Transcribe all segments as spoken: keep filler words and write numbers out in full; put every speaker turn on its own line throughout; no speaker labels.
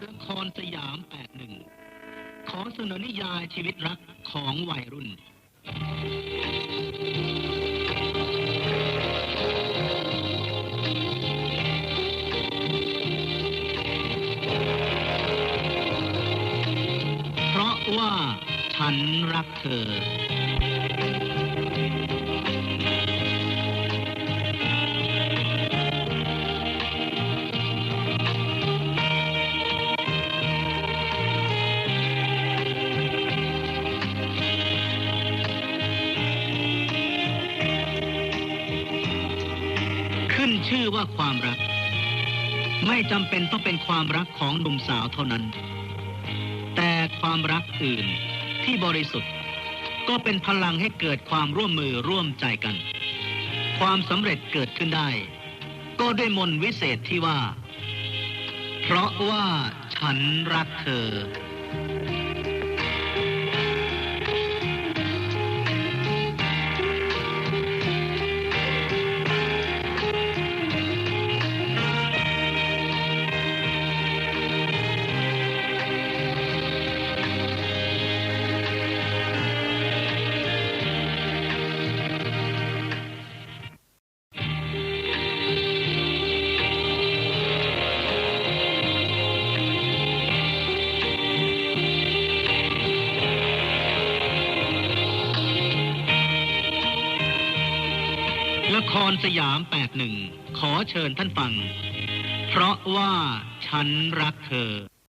ละครสยามแปดสิบเอ็ดขอเสนอนิยายชีวิตรักของวัยรุ่นเพราะว่าฉันรักเธอขึ้นชื่อว่าความรักไม่จำเป็นต้องเป็นความรักของหนุ่มสาวเท่านั้นแต่ความรักอื่นที่บริสุทธิ์ก็เป็นพลังให้เกิดความร่วมมือร่วมใจกันความสำเร็จเกิดขึ้นได้ก็ด้วยมนต์วิเศษที่ว่าเพราะว่าฉันรักเธอละครสยามแปดสิบเอ็ดขอเชิญท่านฟังเพราะว่าฉันรักเธอ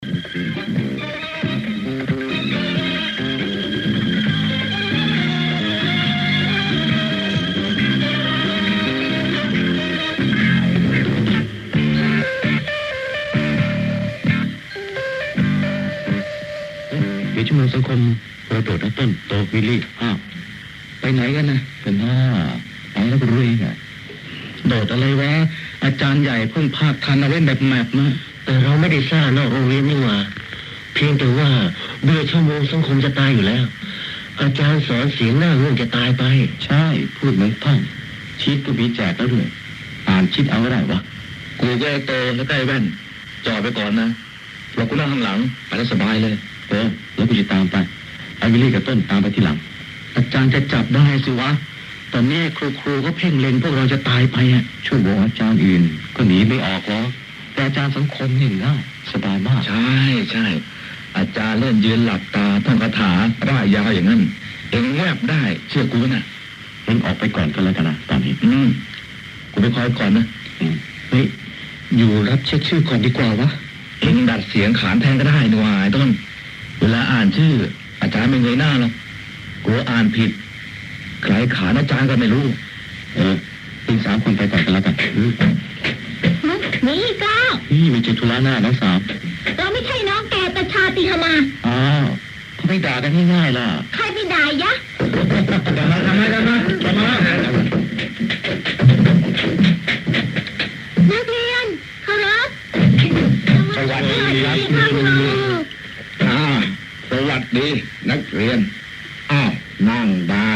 เดี๋ยวชั่วโมงสังคมเราโดดต้นโตวิลลี่อ้าวไปไหนกันนะเป็นหน้าไปแล้วก็รู้เองอะโดดอะไรวะอาจารย์ใหญ่เพิ่งภาคทันเอาไว้แบบแมปนะแต่เราไม่ได้สร้างนอกโรงเรียนนี่หว่าเพียงแต่ว่าเบื่อชั่วโมงสังคมจะตายอยู่แล้วอาจารย์สอนเสียงหน้าเรื่องจะตายไปใช่พูดเหมือนท่องชิดก็มีแจกแล้วด้วยอ่านชิดเอาก็ได้วะกูก็โตแล้วใกล้แว่นจอดไปก่อนนะเรากูนั่งข้างหลังไปแล้วสบายเลยเออแล้วกูจะตามไปไอ้วิลลี่กับต้นตามไปที่หลังอาจารย์จะจับได้สิวะตอนนี้ครูครูก็เพ่งเล็งพวกเราจะตายไปอ่ะช่วยบอกอาจารย์อื่นก็หนีไม่ออกหรอกแต่อาจารย์สังคมนี่ง่ายสบายมากใช่ใช่อาจารย์เล่นยืนหลับตาท่องคาถาร่ายยาวอย่างนั้นเองแวบได้เชื่อกูนะเองออกไปก่อนก็แล้วกันนะตอนนี้อืมกูไปคอยก่อนนะเฮ้ยอยู่รับเช็คชื่อก่อนดีกว่าวะเองดัดเสียงขานแทนก็ได้นี่วะไอ้ต้นเวลาอ่านชื่ออาจารย์ไม่เงยหน้าหรอกกลัวอ่านผิดใครขานอาจารย์ก็ไม่รู้เอออีกสามคนไปก่อนกันแล้วกัน
นี่ก้าว
นี่มีจุดธุระหน้าน้องสาว
เราไม่ใช่น้องแกแต่ชาติธนา
อ้าวเขาไม่ด่ากันง่ายๆล่ะ
ใครไปด่ายะ
ทำไมทำไมทำไมทำไม
นักเรียนครับ
สวัสดีครับอ่าสวัสดีนักเรียนอ้าวนั่งได้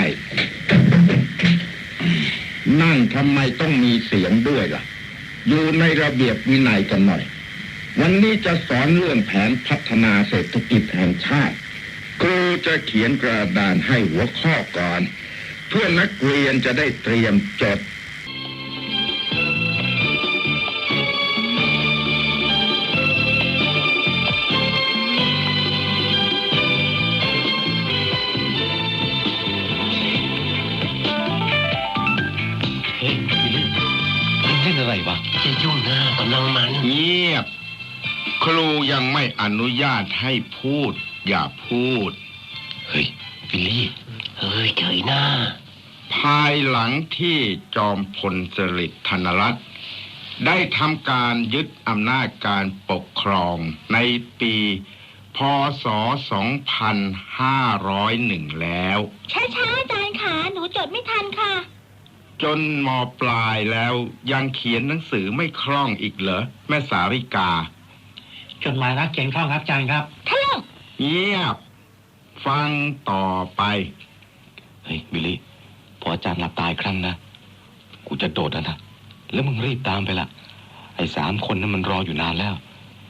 นั่งทำไมต้องมีเสียงด้วยล่ะอยู่ในระเบียบวินัยกันหน่อยวันนี้จะสอนเรื่องแผนพัฒนาเศรษฐกิจแห่งชาติครูจะเขียนกระดานให้หัวข้อก่อนเพื่อนักเรียนจะได้เตรียมจดอะไรวะ
จะยุ่งหน้ากำลังมัน
เงียบครูยังไม่อนุญาตให้พูดอย่าพูดเฮ้ยวิลลี่
เฮ้ยเฉยหน้า
ภายหลังที่จอมพลสฤษดิ์ธนรัตน์ได้ทำการยึดอำนาจการปกครองในปีพ.ศ. สองพันห้าร้อยเอ็ดแล้ว
ช้าๆอาจารย์ขาหนูจดไม่ทันค่ะ
จนม.ปลายแล้วยังเขียนหนังสือไม่คล่องอีกเหรอแม่สาริกา
จดหมายรักเขียนคล่องครับอาจารย์ครับ
ท่าน
เงียบฟังต่อไป
เฮ้ยบิลลี่พออาจารย์หลับตายครั้งนะกูจะโดดนะนะแล้วมึงรีบตามไปละไอ้สามคนนั้นมันรออยู่นานแล้ว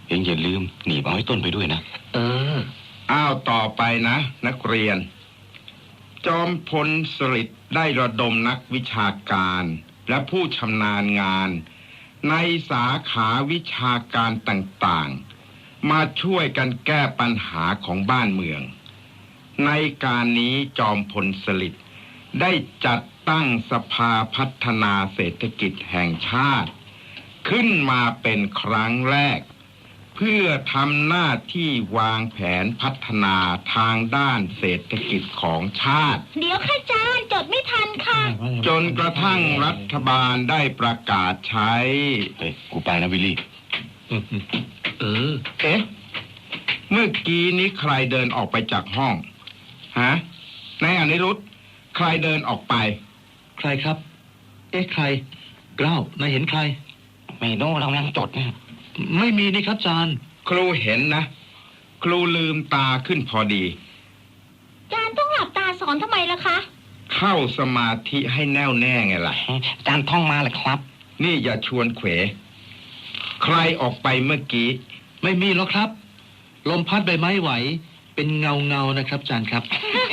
เองอย่าลืมหนีบเอาไอ้ต้นไปด้วยนะ
เออ
อ้าวต่อไปนะ นักเรียน จอมพลสฤษดิ์ได้ระดมนักวิชาการและผู้ชำนาญงาน ในสาขาวิชาการต่างๆ มาช่วยกันแก้ปัญหาของบ้านเมือง ในการนี้จอมพลสฤษดิ์ได้จัดตั้งสภาพัฒนาเศรษฐกิจแห่งชาติ ขึ้นมาเป็นครั้งแรก เพื่อทำหน้าที่วางแผนพัฒนาทางด้านเศรษฐกิจของชาติ
เดี๋ยวค่ะอาจารย์จดไม่ทันค่ะ
จนกระทั่งรัฐบาลได้ประกาศใช้
เฮ้ย กูไปนะวิลลี่
เออ
เอ๊ะ เมื่อกี้นี้ใครเดินออกไปจากห้อง ฮะนายอนิรุธใครเดินออกไป
ใครครับ เอ๊ะใครเกล้านายเห็นใคร
ไม่โน่เรากำลังจดนะ
ไม่มีนี่ครับอาจารย์
ครูเห็นนะ ครูลืมตาขึ้นพอดี
อาจารย์ต้องหลับตาสอนทำไมล่ะคะ
เข้าสมาธิให้แน่วแน่ไงล่ะ
จานท่องมาเลยครับ
นี่อย่าชวนเขว ใครออกไปเมื่อกี้
ไม่มีหรอกครับ ลมพัดใบไม้ไหว เป็นเงาเงาๆนะครับอาจารย์ครับ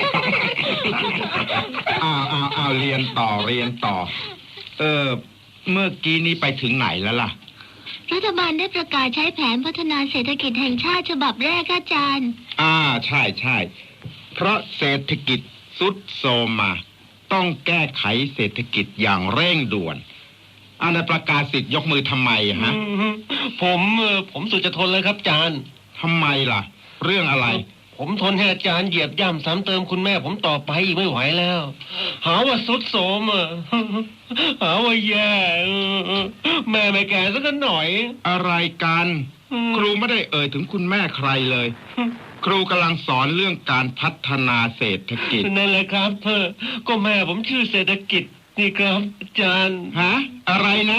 อ้าวอ้าวอ้าวเรียนต่อเรียนต่อ เออ เมื่อกี้นี้ไปถึงไหนแล้วล่ะ
รัฐบาลได้ประกาศใช้แผนพัฒนาเศรษฐกิจแห่งชาติฉบับแรกค่ะอาจารย์
อ่าใช่ใช่เพราะเศรษฐกิจสุดโทรมมา ต้องแก้ไขเศรษฐกิจอย่างเร่งด่วนอันนั้นประกาศสิทธิ์ยกมือทำไมฮะ
ผมเออผมสุดจะทนเลยครับอาจารย์
ทำไมล่ะ เรื่องอะไร
ผมทนให้อาจารย์เหยียบย่ำซ้ำเติมคุณแม่ผมต่อไปอีกไม่ไหวแล้ว หาว่าสุดโสมอ่ะ หาว่าแย่เออแม่ไม่แก่สักหน่อย
อะไรกัน
อืม
ครูไม่ได้เอ่ยถึงคุณแม่ใครเลย ครูกำลังสอนเรื่องการพัฒนาเศรษฐกิจ
นั่นแหละครับเธอก็แม่ผมชื่อเศรษฐกิจนี่ครับอาจารย์
ฮะ อะไรนะ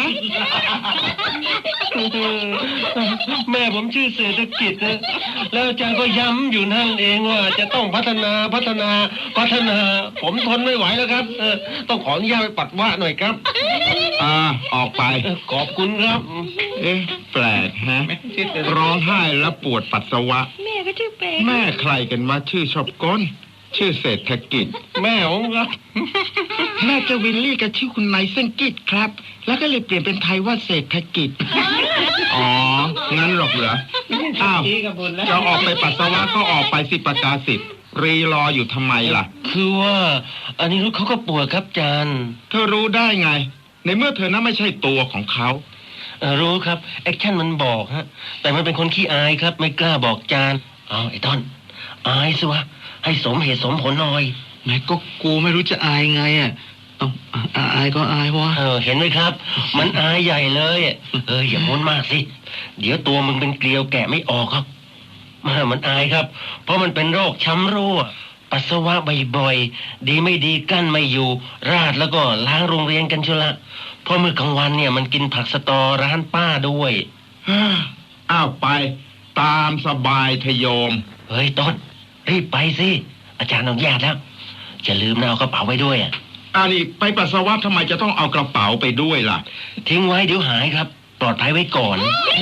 แม่ผมชื่อเศรษฐกิจนะแล้วอาจารย์ก็ย้ำอยู่นั่นเองว่าจะต้องพัฒนาพัฒนาพัฒนา ผมทนไม่ไหวแล้วครับเออต้องขออนุญาตไปปัดว่าหน่อยครับ
อ่า ออกไป
เออขอบคุณครับ
เอ๊ะ แปลกฮะ ร้องไห้แล้วปวดปัสสาวะ
แม่ก็ชื่อเป๊ก
แม่ใครกันว่าชื่อชอบก้น ชื่อเศรษฐกิจ
แม่ผมครับ
แม่เจะวิลลี่กับชื่อคุณนายเส้นกิจครับ แล้วก็เลยเปลี่ยนเป็นไทยว่าเศรษฐกิจ อ๋อ งั้นหรอกเหรอ อ้าว จะออกไปปัสสาวะก็ออกไปสิประกาศสิทธิ์รีรออยู่ทำไมล่ะ
คือว่าอันนี้เขาก็ป่วยครับอาจารย์
เธอรู้ได้ไง ในเมื่อเธอนั้นไม่ใช่ตัวของเขา
เออรู้ครับแอคชั่นมันบอกฮะแต่มันเป็นคนขี้อายครับไม่กล้าบอกอาจารย์เอาไอ้ต้นอายสิวะให้สมเหตุสมผลหน่อย
แม่ก็กูไม่รู้จะอายไงอ่ะเอาอ่ะอายก็อายวะ
เออเห็นไหมครับ มันอายใหญ่เลยเอออย่าม้วนมากสิเดี๋ยวตัวมึงเป็นเกลียวแกะไม่ออกครับมามันอายครับ เพราะมันเป็นโรคช้ำรั่วปัสสาวะบ่อยๆดีไม่ดีกั้นไม่อยู่ ราดแล้วก็ล้างโรงเรียนกันชุละเพราะเมื่อกลางวันเนี่ยมันกินผักสะตอร้านป้าด้วย
อ้าวไป ตามสบายทโยม
เฮ้ยต้นรีบไปสิอาจารย์อนุญาตแล้วอย่าลืมนะเอากระเป๋าไว้ด้วยอ่ะ
อ่านี่ไปปัสสาวะทำไมจะต้องเอากระเป๋าไปด้วยล่ะ
ทิ้งไว้เดี๋ยวหายครับ ปลอดภัยไว้ก่อน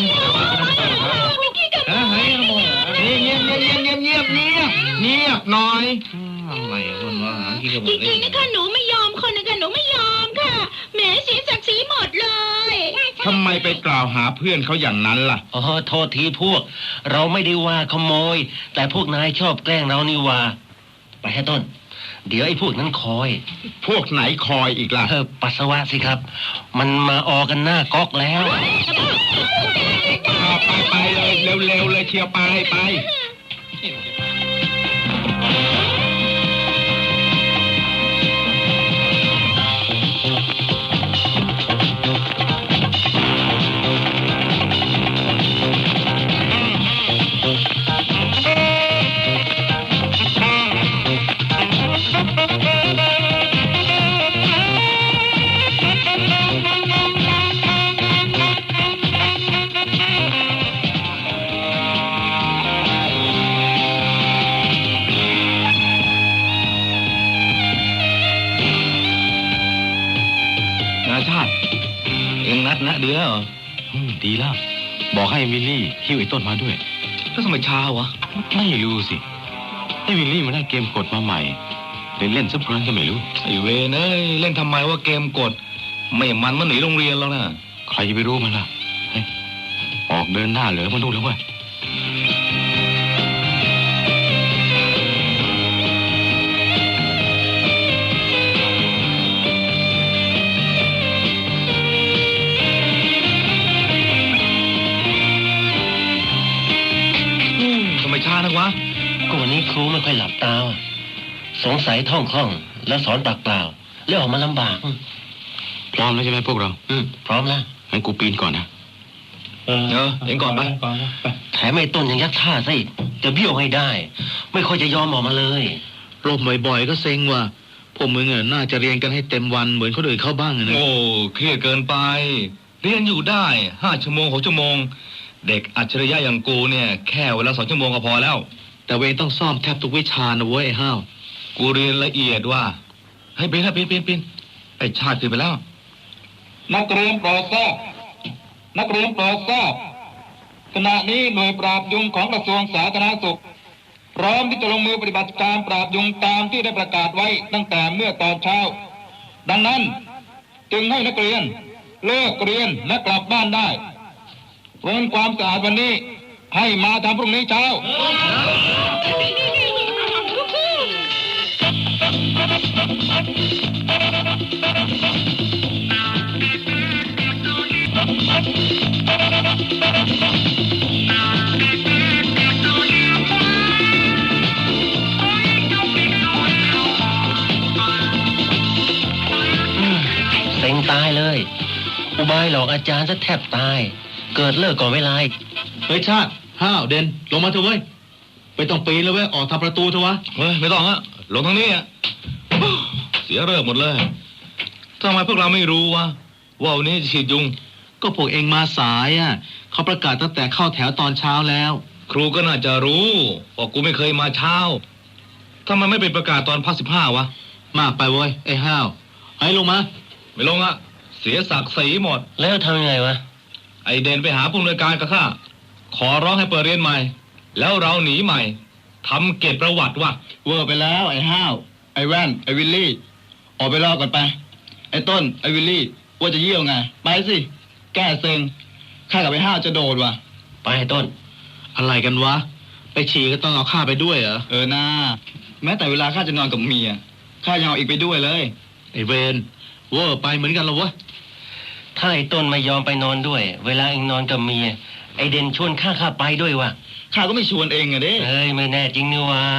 เงียบเงียบเงียบเงียบเงียบเงียบเงียบหน่อย
อะไรคนวะหาขี้กระบ
จ
อก
ริงๆนะคะหนูไม่ยอมคนนะคะหนูไม่ยอมค่ะแหมเสียศักดิ์ศรีหมดเลย
ทำไมไปกล่าวหาเพื่อนเขาอย่างนั้นล่ะ
อ๋อโทษทีพวก เราไม่ได้ว่าขโมย แต่พวกนายชอบแกล้งเรานี่ว่า ไปให้ต้น เดี๋ยวไอ้พวกนั้นคอย
พวกไหนคอยอีกล่ะ
เออปัสสาวะสิครับ มันมาออกันหน้าก๊อกแล้ว
เอาไปไปเลยเร็วๆเลยเชียวไปไป
นาชาติ เอ็งนัดนะเดือเหรอ
อืมดีแล้วบอกให้วิลลี่หิ้วไอ้ต้นมาด้วย
แล้วทำไมช้าวะ
ไม่รู้สิให้วิลลี่มาได้เกมกดมาใหม่เล่นเล่นสักครั้งก็ไม่รู้
ไอเวรเอ้ยเล่นทำไมว่าเกมกดไม่มันมันหนีโรงเรียนแล้วนะ
ใครจะไปรู้มันล่ะเฮ้ยออกเดินหน้าเหลือมาดูแล้วเว้ย
ทำไมช้านักวะ
ก็วันนี้ครูไม่ค่อยหลับตาว่ะสงสัยท่องคล่องแล้วสอนปากเปล่าแล้วออกมาลำบาก
พร้อมแล้วใช่ไหมพวกเรา
อืมพร้อมแล้ว
งั้นกูปีนก่อนนะ
เออเองก่อนไป
แถมไอ้ต้นยังยัดท่าซะอีกจะเบี้ยวให้ได้ ไม่ค่อยจะยอมออกมาเลย
รบบ่อยๆก็เซ็งว่ะพวกมึงอ่ะน่าจะเรียนกันให้เต็มวันเหมือนคนอื่นเข้าบ้างนะ
โอ้เครียดเกินไปเรียนอยู่ได้ห้าชั่วโมงหกชั่วโมงเด็กอัจฉริยะอย่างกูเนี่ยแค่เวลาสองชั่วโมงก็พอแล้ว
แต่เวงต้องซ่อมแทบทุกวิชานะเว้ยไอ้ห้าว
กูเรียนละเอียดว่าให้ปีนให้ปีนปีนปีนไอ้ชาติขึ้นไปแล้วนักเรียนโปรดทราบนักเรียนโปรดทราบขณะนี้หน่วยปราบยุงของกระทรวงสาธารณสุขพร้อมที่จะลงมือปฏิบัติการปราบยุงตามที่ได้ประกาศไว้ตั้งแต่เมื่อตอนเช้าดังนั้นจึงให้นักเรียนเลิกเรียนและกลับบ้านได้เว้นความสะอาดวันนี้ให้มาทำพรุ่งนี้เช้า
เซ็งตายเลยอุบายหลอกอาจารย์ซะแทบตายเกิดเลิกก่อนเวลา
เฮ้ยชาติห้าวเด่นลงมาเถอะเว้ยไม่ต้องปีนแล้วเว้ยออกทางประตูเถอะวะ
เฮ้ยไม่ต้องฮะลงทางนี้อ่ะเสียเริ่มหมดเลยทำไมพวกเราไม่รู้วะว่าวันนี้จะฉีดยุง
ก็พวกเองมาสายอ่ะเขาประกาศตั้งแต่เข้าแถวตอนเช้าแล้ว
ครูก็น่าจะรู้ว่ากูไม่เคยมาเช้าทำไมไม่ไปประกาศตอนพักสิบห้าวะ
มากไปเว้ยไอ้ห้าวให้ลงมา
ไม่ลงอะเสียศักดิ์ศรีหมด
แล้วทำยังไงวะ
ไอเดนไปหาผู้อำนวยการกับข้าขอร้องให้เปิดเรียนใหม่แล้วเราหนีใหม่ทำเกียรติประวัติว่ะเวอร์ไปแล้วไอ้ห้าวไอ้แว่นไอ้วิลลี่ออกไปรอก่อนไปไอ้ต้นไอ้วิลลี่ว่าจะเยี่ยวไงไปสิแก้เซ็งข้ากับไอ้ห้าวจะโดดว่ะ
ไปให้ต้น
อะไรกันวะไปฉี่ก็ต้องเอาข้าไปด้วยเหรอ
เออนาแม้แต่เวลาข้าจะนอนกับเมียข้ายังเอาอีกไปด้วยเลย
ไอ้เวนเวอร์ไปเหมือนกันเหรอวะ
ถ้าไอ้ต้นไม่ยอมไปนอนด้วยเวลาเองนอนกับเมียไอเด่นชวนข้าข้าไปด้วยวะ
ข้าก็ไม่ชวนเองอะเด้
เอ้ยไม่แน่จริงนี่วะ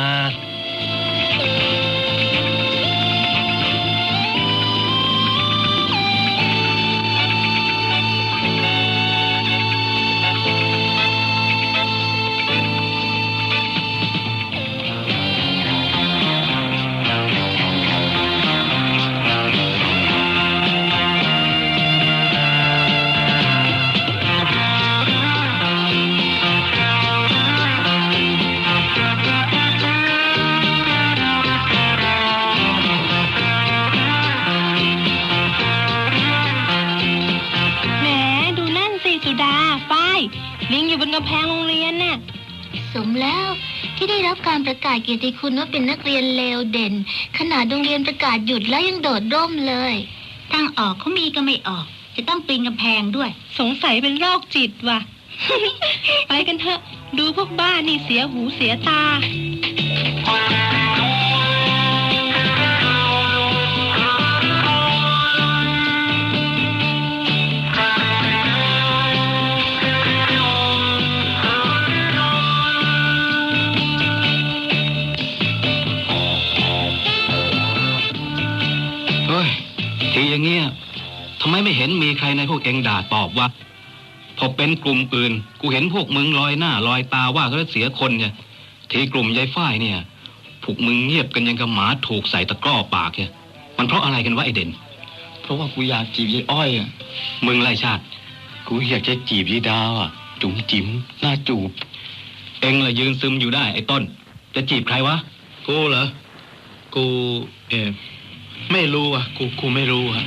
ลิงอยู่บนกำแพงโรงเรียนน่ะสมแล้วที่ได้รับการประกาศเกียรติคุณว่าเป็นนักเรียนเลวเด่นขนาดโรงเรียนประกาศหยุดแล้วยังโดดร่มเลยทางออกเขามีก็ไม่ออกจะต้องปีนกำแพงด้วยสงสัยเป็นโรคจิตว่ะ ไปกันเถอะดูพวกบ้านี่เสียหูเสียตา
ทีอย่างเงี้ยทำไมไม่เห็นมีใครในพวกเองด่าตอบวะพอเป็นกลุ่มอื่นกูเห็นพวกมึงลอยหน้าลอยตาว่าเขาเสียคนเนี่ยทีกลุ่มยายฝ้ายเนี่ยพวกมึงเงียบกันยังกับหมาถูกใส่ตะกร้อปากเนี่ยมันเพราะอะไรกันวะไอเด่นเพราะว่ากูอยากจีบยายอ้อยอ่ะมึงไรชาติกูอยากจะจีบยายดาวอ่ะจุ๋มจิ๋มหน้าจูบเองละยืนซึมอยู่ได้ไอ้ต้นจะจีบใครวะกูเหรอกูเออไม่รู้อ่ะกูกูไม่รู้อ่ะ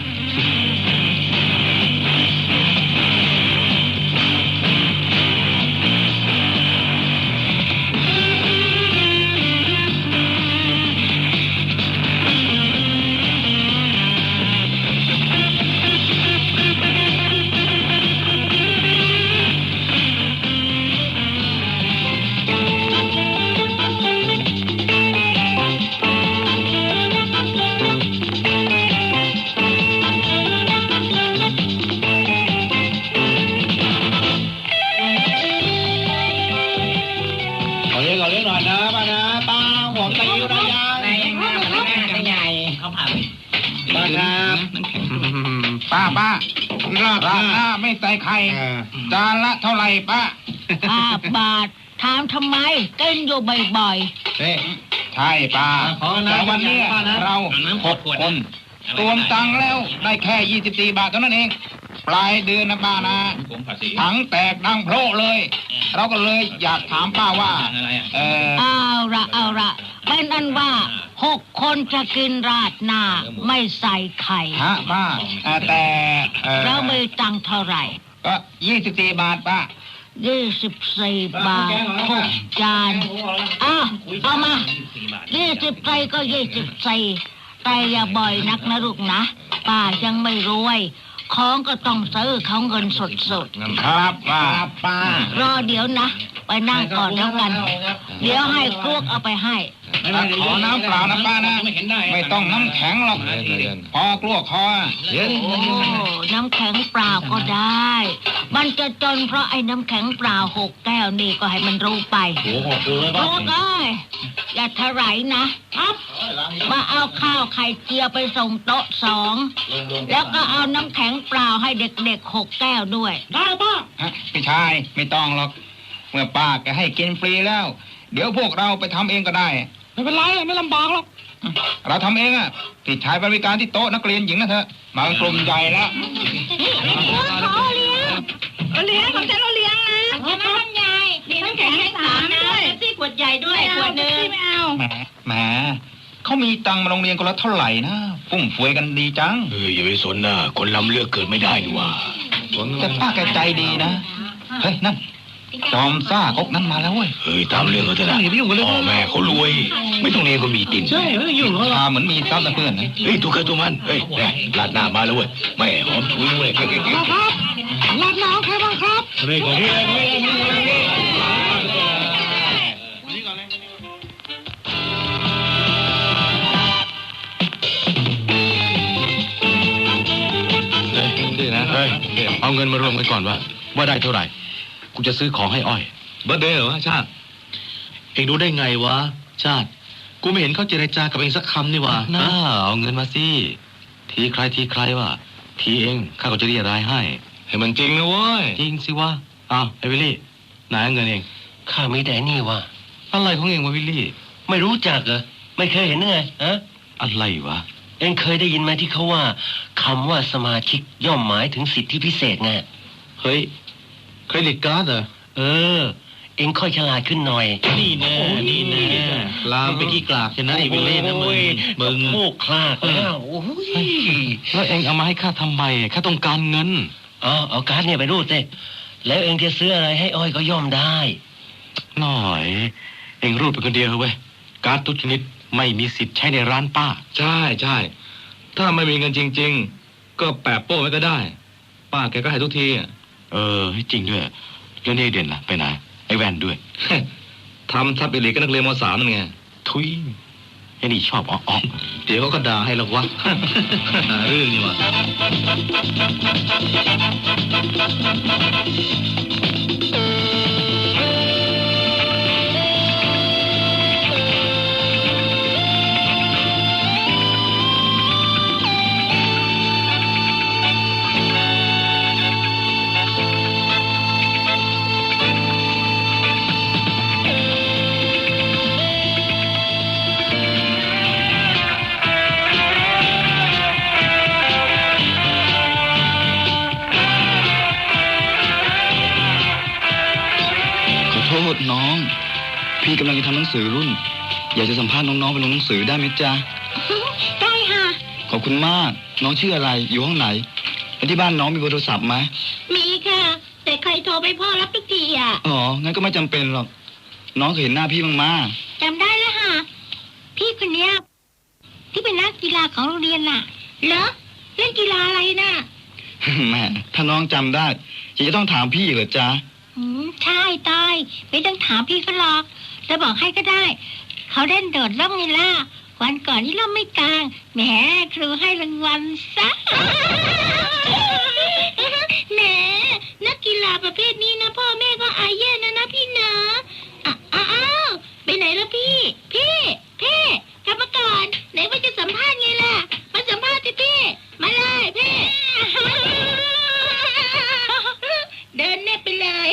ขอเลี้ยงขอเลี้ยงหน่อยนะป้านะป้าห่วงตะยิ้วนะยายไหนมามันใหญ่เขาผ่าป้าครับป้าป้าราดหน้าไม่ใส่ไข่จานละเท่าไหร่ป้า
ห้าบาทถามทำไมกินอยู่บ่อยๆ
เฮ้ใช่ป้าแต่วันนี้เราหกคนรวมตังค์แล้วได้แค่ยี่สิบสี่บาทเท่านั้นเองปลายเดือนนะป้านะถังแตกดังโพร่เลยเราก็เลยอยากถามป้าว่าเออ
เอาละเอาละเป็นอันว่าหกคนจะกินราดหน้าไม่ใส่ไข่
ฮะป้าแต่
แล้วมีตังค์เท่าไหร่
ก็ยี่สิบสี่บาทป้า
ยี่สิบสี่บาทหกจานอ้าวเอามายี่สิบใส่ก็ยี่สิบสี่แต่อย่าบ่อยนักนะลูกนะป้ายังไม่รวยของก็ต้องซื้อเขาเงินสด
ๆครับป้าป้าร
อเดี๋ยวนะไปนั่งก่อนแล้วกันเดี๋ยวให้ครวกเอาไปให้
ขอน้ำเปล่านะป้านะไม่ต้องน้ำแข็งหรอกพอกลัวคอ
โอ้น้ำแข็งเปล่าก็ได้มันจะจนเพราะไอ้น้ำแข็งเปล่าหกแก้วนี่ก็ให้มันรู้ไปโอ้โหครวกเอ้ยอย่าทะไหรนะครับมาเอาข้าวไข่เจียวไปส่งโต๊ะสองแล้วก็เอาน้ำแข็งเปล่าให้เด็กๆหกแก้วด้วย
ได้ป้าพี่ชายไม่ต้องหรอกเมื่อป้าแกให้กินฟรีแล้วเดี๋ยวพวกเราไปทำเองก็ได้ไม่เป็นไรไม่ลำบากหรอกเราทำเองอ่ะพี่ชายบริการที่โต๊ะนักเรียนหญิงนะเธอมากลุ่มใหญ่แล้ว
ขอเลี้ยงเลี้ยงของฉันเราเลี้ยงนะน้ำใหญ่มีน้ำแข็งให้สามด้วยซี่ขวดใหญ่ด้วยขวดนึงไม่เอา
แหมแหมเขามีตังค์มาโรงเรียนคนละเท่าไหร่นะฟุ่มเฟือยกันดีจัง
เอออย่าไปสนนะคนล้ำเลือกเกิดไม่ได้ดีว่า
แต่ป้าแกใจดีนะเฮ้ยนั่นจอมซ่าคกนั้นมาแล้วเว้ย
เฮ้ยตามเรื่องเขาเถอะนะพ่อแม่เขารวยไม่ต้องเรียนก็มีติ่น
ใช่ไม่ต้องยุ่งเขาเหมือนมีทรัพย์เพื่อนนะ
เฮ้ยตัวใครตัวมันเฮ้ยลาดหน้ามาแล้วเว้ยแม่หอมถุยเว้ยครับ
ลาดหน้าใครบ้างครับ
เฮ้ยของพี่เฮ้ยเอาเงินมารวมกันก่อนว่าว่าได้เท่าไหร่กูจะซื้อของให้อ้อย
เบอร์เดย์เหรอวะชาติ
เองรู้ได้ไงวะชาติกูไม่เห็นเขาเจรจากับเองสักคำนี่วะ
น่าเอาเงินมาสิ
ทีใครทีใครวะทีเองข้าก็จะเรียรายให้
ให้มันจริงนะเว้ย
จริงสิวะอ้าวไอ้วิลลี่ไหนเงินเอง
ข้าไม่ได้นี่วะ
อะไรของเองวะวิลลี่
ไม่รู้จักเหรอไม่เคยเห็นไงฮะ
อะไรวะ
เองเคยได้ยินไหมที่เขาว่าคำว่าสมาชิกย่อมหมายถึงสิทธิพิเศษไง
เฮ้ยเครดิตการ์ดเหรอ
เออเอ็งค่อยฉลาดขึ้นหน่อย
นี่แน่นี่แน่ลามไปกี่กลากใช่ไหมไอ้วิลเล่นะมึงมึง
โมกคลากแล้ว
แล้วเอ็งเอามาให้ข้าทำไมข้าต้องการเงิน
อ๋อเอาการ์ดเนี่ยไปรูดสิแล้วเอ็งจะซื้ออะไรให้อ้อยก็ย่อมได้
หน่อยเอ็งรูดไปคนเดียวเว้ยการ์ดทุกชนิดไม่มีสิทธิ์ใช้ในร้านป้า
ใช่ใช่ถ้าไม่มีเงินจริงๆก็แปะโป้ไว้ก็ได้ป้าแกก็ให้ทุกที
เออจริงด้วยแล้วนี่เด่นล่ะไปไหนไอ้แวนด้วย
ทำทับอิริก็นักเรียนม.สามนั่นไง
ทุยไอ้นี่ชอบอ๋อ
เดี๋ยวเขาก็ด่าให้หรอกวะเรื่องนี้วะน้องพี่กำลังจะทำหนังสือรุ่นอยากจะสัมภาษณ์น้องๆไปลงหนังสือได้ไหมจ๊ะ
ได้ค่ะ
ขอบคุณมากน้องชื่ออะไรอยู่ห้องไหนที่บ้านน้องมีเบอร์โทรศัพท์ไหม
มีค่ะแต่ใครโทรไปพ่อรับทุกทีอ่ะ
อ๋องั้นก็ไม่จำเป็นหรอกน้องเคยเห็นหน้าพี่บ้างมา
จำได้แล้วค่ะพี่คนเนี้ยที่เป็นนักกีฬาของโรงเรียนน่ะเหรอเล่นกีฬาอะไรน่ะ
แม่ถ้าน้องจำได้จะต้องถามพี่เหรอจ๊ะ
อืมใช่ตายไม่ต้องถามพี่เขาหรอกจะบอกให้ก็ได้เขาเล่นโดดร่มไงล่ะวันก่อนนี่ร่มไม่กลางแหมครูให้รางวัลซะแหมนักกีฬาประเภทนี้นะพ่อแม่ก็อายแย่นะนะพี่นะอ้าวพี่พี่กรรมการไหนว่าจะสัมภาษณ์ไงล่ะมาสัมภาษณ์สิพี่มาเลยพี่ เดินเน่ไปเลย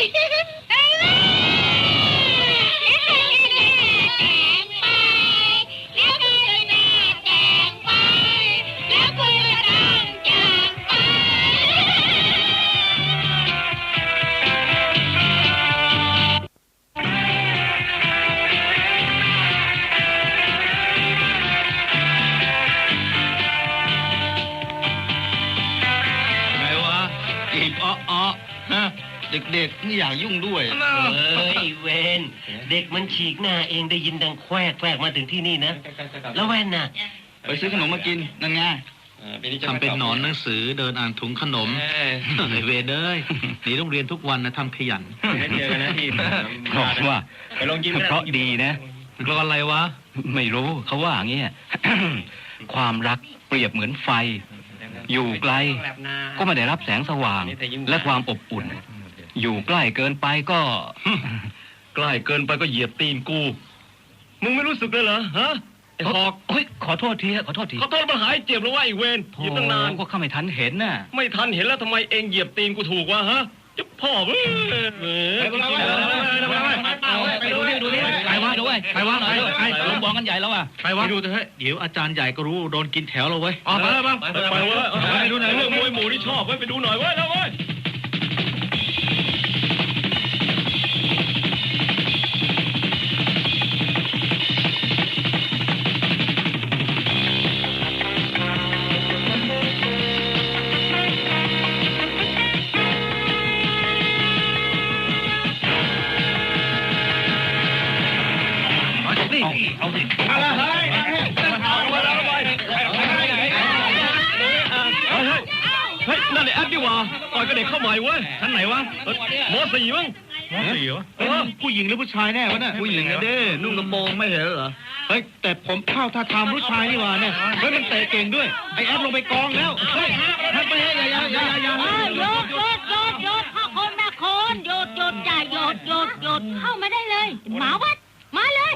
เด็กๆนี่อยากยุ่งด้วย
เฮ้ยเวนเด็กมันฉีกหน้าเองได้ยินดังแควกแควกมาถึงที่นี่นะแล้วแว่นน่ะ
ไปซื้อขนมมากินนั่นไง
ทำเป็นหนอนหนังสือเดินอ่านถุงขนมไอเวนเอ้ยหนีโรงเรียนทุกวันนะทำขยัน
เจอนะพี่บอกว่าไปลองกินเพราะดีนะ
เพราะอะไรวะ
ไม่รู้เขาว่าอย่างเงี้ยความรักเปรียบเหมือนไฟอยู่ไกลก็ไม่ได้รับแสงสว่างและความอบอุ่นอยู่ใกล้เกินไปก็
ใกล้เกินไปก็เหยียบตีนกูมึงไม่รู้สึกเลยเหรอฮะไอ้หอก
เฮ้ยขอโทษทีขอโทษที
ขอโทษมาหายเจ็บแล้วว่าไอ้เวนเหยียบตั้งนาน
ก็ข้าไม่ทันเห็นน่ะ
ไม่ทันเห็นแล้วทำไมเองเหยียบตีนกูถูกวะฮะจะพ่อเว้ยไปไป
ไปดูดิดูดิไปวะดูไว้ไปวะไปลงบอลกันใหญ่แล้วอ่ะ
ไปวะดูเถอะเดี๋ยวอาจารย์ใหญ่ก็รู้โดนกินแถวเราเว้ย
ไปไปไปไปเว้ยไปดูหน่อยเรื่องมวยหมู่ที่ชอบเว้ยไปดูหน่อยเว้ยแล้วเว้ย
เอาสิอะไรเฮ้ย
เฮ้ยนั่นไอ้แอดดิว่าต่อยกับเด็กเข้าใหม่เว้ยชั้นไหนวะมอสี่มั้ง
มอสี่วะผู้หญิงหรือผู้ชายแน่วะน่ะ
ผู้หญิงนะเด้นุ่งกระโปรงไม่เห็นเหรอ
เฮ้ยแต่ผมเข้าท่าทางผู้ชายนี่ว่าเนี่ยเฮ้ยมันเตะเก่งด้วยไอ้แอดลงไปกองแล้วเฮ้ยทำไปให้อย่าอย่าอย่าอย่า
หยุดหยุดหยุดหยุดพ่อคนแม่คนหยุดหยุดอย่าหยุดหยุดหยุดเข้ามาได้เลยหมาวัดมาเลย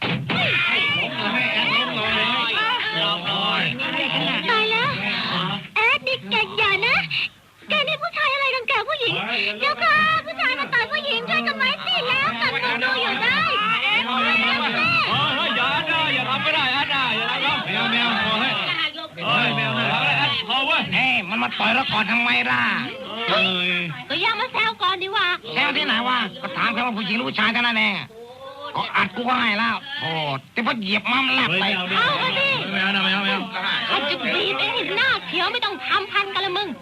ตายแล้วแอดนี่แกอย่านะแกนี่ผู้ชายอะไรรังแกผู้หญิงเดี๋ยวค่ะผู้ชายมาต่อยผู้หญิงช่วยกันไว้สิแล้วกันดูดูอยู่ได้
เฮ้ยอย่าได้อย่าทำไม่ได้แอดได้อย่าทำแมวแมวพอให้เฮ้ยแมวนะแอดพอเว้ย
เฮ้ยมันมาต่อยเราก่อนทำไมล่ะ
ก็ย่ามาแซวก่อนดีว่า
แซวที่ไหนวะก็ถามแค่ว่าผู้หญิงหรือผู้ชายเท่านั้นเองก็อัดกูให้แล้วโอ้แต่พอเหยียบมันแลบไป
เอาไปดิ
ไม่เอาไม่เอาไม่เอา
เขาจะบีบไอ้หน้าเขียวไม่ต้องทำพันกันละมึง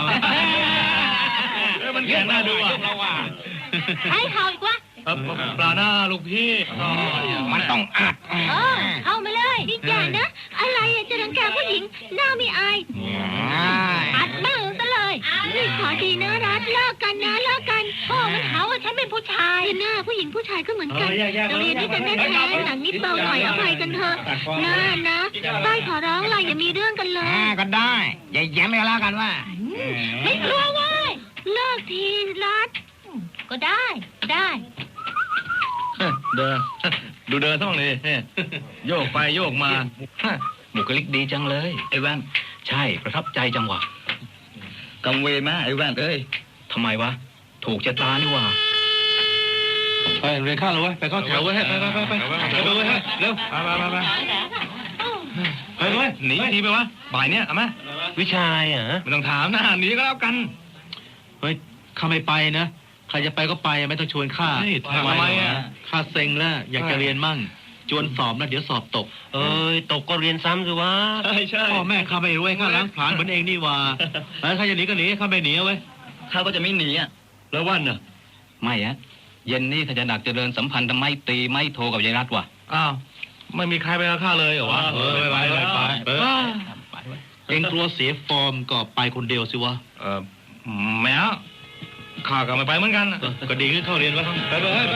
มันแข็งหน้าดูอ่ะ
ใช้เห่าอีกวะ
ปลาหน้าลูกพี่
มันต้องอัด
เออเข้ามาเลย
นี่อย่านะอะไรจะรังแกผู้หญิงหน้าไม่อายอัดบ้างซะเลยนี่ขอดีนะรัฐเลิกกันนะเลิกกันพ่อมันหาว่าฉันเป็นผู้ชายหน้าผู้หญิงผู้ชายก็เหมือนกันโรงเรียนนี้กันแท้ๆหนังนิดเบาหน่อยอภัยกันเถอะนะนะป้ายขอร้องอะไรอย่ามีเรื่องกันเลย
ก็ได้อย่าแย้มไม่แล้วกันว่า
ไม่กลัวเว้ยเลิกทีรัฐ
ก็ได้ได้
เดินดูเดินทั้งเลยโยกไปโยกมา
บุคลิกดีจังเลยไอ้แว่นใช่ประทับใจจังวะกังเวไหมไอ้แว่นเอ้ยทำไมวะถูกชะตานี่วะ
ไปเรียนข้าวเลยเว้ยไปเข้าแถวเว้ยไปไปไปไปไปดูเว้ยเร็วไปไปไปไปไปเว้ยหนีหนีไปวะบ่ายเนี้ยเอาไหม
วิชาอ่ะ
ไม่ต้องถามนะหนีก็แล้วกันเฮ้ยข้าไม่ไปนะใครจะไปก็ไปไม่ต้องชวนข้า
ทำไมอ่ะ
ข้าเซ็งแล้วอยากจะเรียนมั่งจวนสอบแล้วเดี๋ยวสอบตก
เอ้ยตกก็เรียนซ้ำสิวะ
ใช่ใช่พ่อแม่ข้าไม่รู้ข้าล้างผลาญเหมือนเองนี่ว่าแล้วข้าจะหนีก็หนีข้าไม่หนีเว้ย
ข้าก็จะไม่หนีอ่ะ
แล้ววันน่ะ
ไม่อะเย็นนี้ข้าจะดักเจริญสัมพันธ์ทำไมตีไม่โทรกับยายรัตวะ
อ้าวไม่มีใครไปกับข้าเลยเหรอวะ
เออไปไปไปไปเองกลัวเสียฟอร์มก็ไปคนเดียวสิวะ
เออแม่ข้าก็ไม่ไปเหมือนกัน
ก็ดีขึ้นเข้าเรียนแล้วไปไปไป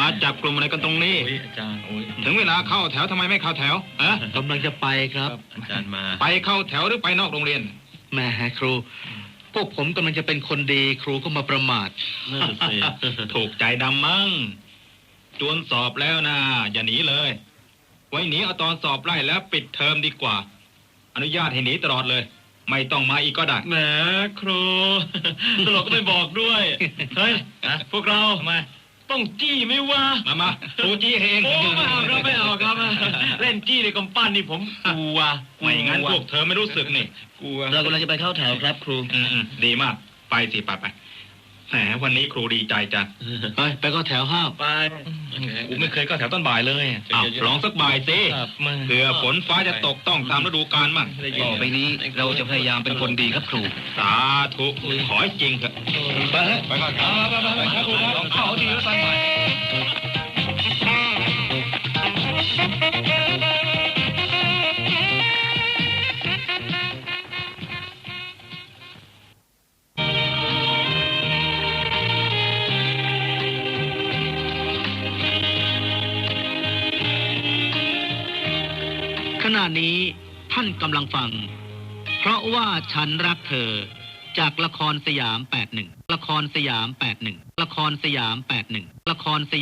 จับกลุ่มอะไรกันตรงนี้
อาจารย์โอ้ย
ถึงเวลาเข้าแถวทำไมไม่เข้าแถวอะ
กำลังจะไปครับ
อาจารย์มา
ไปเข้าแถวหรือไปนอกโรงเรียน
แหม่ครู พวกผมกำลังจะเป็นคนดีครูก็มาประมาท
นั่นสิ
ถูกใจดำมั้งจวนสอบแล้วนะอย่าหนีเลย ไว้หนีเอาตอนสอบไล่แล้วปิดเทอมดีกว่า อนุญาตให้หนีตลอดเลย ไม่ต้องมาอีกก็ได้
แหมครูตลกก็ไม่บอกด้วย เฮ้ยพวกเรามาต้องจี้ไหมวะ
มามาครูจี้เอง
โอ้ไม่เอาครับไม่เอาครับ เล่นจี้ในกำปั้นนี่ผมกลัว
ไม่งั้นพวกเธอไม่รู้สึกนี่
กลัวเรากำลังจะไปเข้าแถวครับครู
อืมๆดีมาก ไปสิไปไปแหมวันนี้ครูดีใจจัง
ไปไปก็แถวห้า
ไป
กูไม่เคยเข้าแถวต้นบ่ายเลยอ้าวลองสักบ่ายสิ
ครับมา
เผื่อฝนฟ้าจะตกต้องตามฤดูกาลมั่ง
ต่อไปนี้เราจะพยายามเป็นคนดีครับครู
สาธุขอให้จริงเถอะ
ไปไปก่อนครับไปไปไปครับครูครับเข้าดีแล้วตั้งใหม่
ขณะนี้ท่านกำลังฟัง เพราะว่าฉันรักเธอจากละครสยามแปดหนึ่งละครสยามแปดหนึ่งละครสยามแปดหนึ่งละครสยาม